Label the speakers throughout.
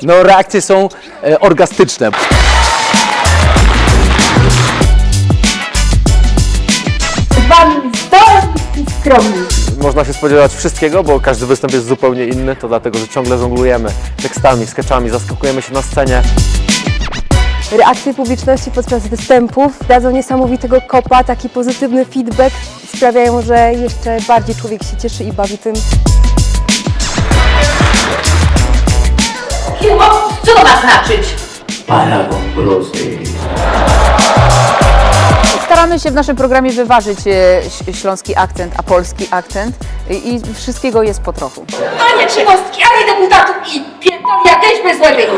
Speaker 1: No reakcje są orgastyczne.
Speaker 2: Wam zdolni i skromni.
Speaker 3: Można się spodziewać wszystkiego, bo każdy występ jest zupełnie inny, to dlatego, że ciągle żonglujemy tekstami, sketchami, zaskakujemy się na scenie.
Speaker 2: Reakcje publiczności podczas występów dadzą niesamowitego kopa, taki pozytywny feedback sprawiają, że jeszcze bardziej człowiek się cieszy i bawi tym.
Speaker 4: Co to ma znaczyć?
Speaker 5: Paragon prosty.
Speaker 6: Staramy się w naszym programie wyważyć śląski akcent, a polski akcent i wszystkiego jest po trochu.
Speaker 4: Panie trzynostki, ani deputatów i pierdoli jakieś bez lewej.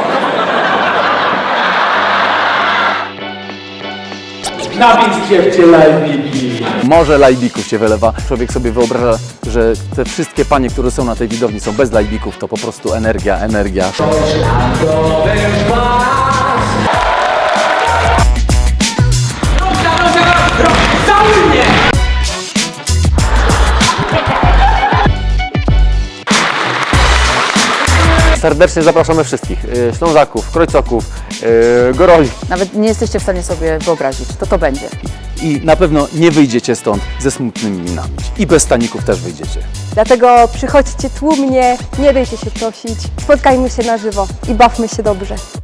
Speaker 5: Napisz dziewczę lajbiki.
Speaker 1: Morze lajbików się wylewa. Człowiek sobie wyobraża, że te wszystkie panie, które są na tej widowni, są bez lajbików, to po prostu energia, energia.
Speaker 3: Serdecznie zapraszamy wszystkich, Ślązaków, Krojcoków, Goroli.
Speaker 6: Nawet nie jesteście w stanie sobie wyobrazić, to będzie.
Speaker 1: I na pewno nie wyjdziecie stąd ze smutnymi minami. I bez staników też wyjdziecie.
Speaker 2: Dlatego przychodźcie tłumnie, nie dajcie się prosić, spotkajmy się na żywo i bawmy się dobrze.